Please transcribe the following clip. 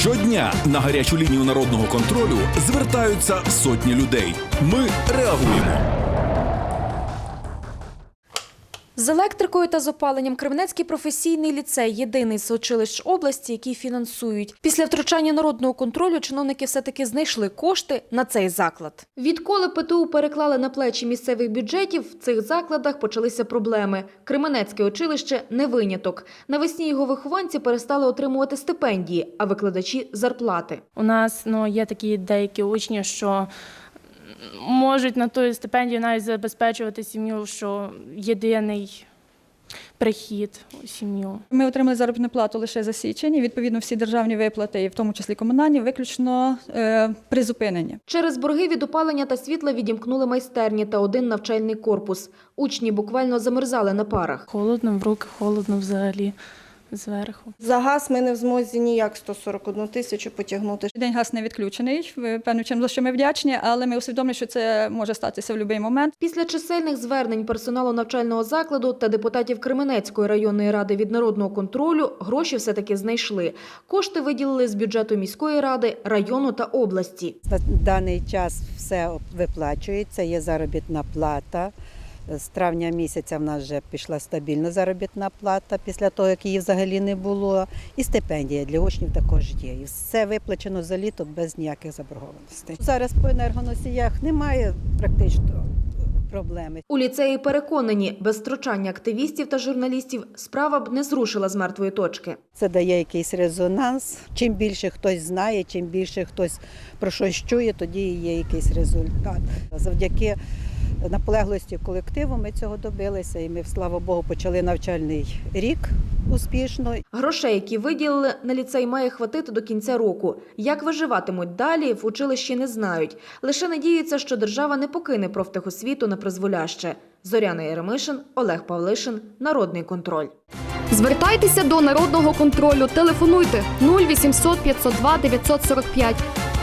Щодня на гарячу лінію народного контролю звертаються сотні людей. Ми реагуємо. З електрикою та з опаленням Кременецький професійний ліцей – єдиний з училищ області, який фінансують. Після втручання народного контролю чиновники все-таки знайшли кошти на цей заклад. Відколи ПТУ переклали на плечі місцевих бюджетів, в цих закладах почалися проблеми. Кременецьке училище – не виняток. Навесні його вихованці перестали отримувати стипендії, а викладачі – зарплати. У нас є такі деякі учні, що можуть на ту стипендію навіть забезпечувати сім'ю, що єдиний прихід у сім'ю. Ми отримали заробітну плату лише за січень, і, відповідно, всі державні виплати, і в тому числі комунальні, виключно призупинені. Через борги від опалення та світла відімкнули майстерні та один навчальний корпус. Учні буквально замерзали на парах. Холодно в руки, холодно взагалі зверху. За газ ми не в змозі ніяк 141 тисячу потягнути. День газ не відключений, певним чином, за що ми вдячні, але ми усвідомлюємо, що це може статися в будь-який момент. Після чисельних звернень персоналу навчального закладу та депутатів Кременецької районної ради від народного контролю гроші все-таки знайшли. Кошти виділили з бюджету міської ради, району та області. На даний час все виплачується, є заробітна плата. З травня місяця в нас вже пішла стабільна заробітна плата, після того, як її взагалі не було. І стипендія для учнів також є. І все виплачено за літо без ніяких заборгованостей. Зараз по енергоносіях немає практично проблеми. У ліцеї переконані, без втручання активістів та журналістів справа б не зрушила з мертвої точки. Це дає якийсь резонанс. Чим більше хтось знає, чим більше хтось про щось чує, тоді є якийсь результат. Завдяки наполегливості колективу ми цього добилися, і ми, слава Богу, почали навчальний рік успішно. Грошей, які виділили на ліцей, має хватити до кінця року. Як виживатимуть далі, в училищі не знають. Лише надіються, що держава не покине профтехосвіту на призволяще. Зоряна Єремишин, Олег Павлишин, Народний контроль. Звертайтеся до Народного контролю. Телефонуйте 0800 502 945.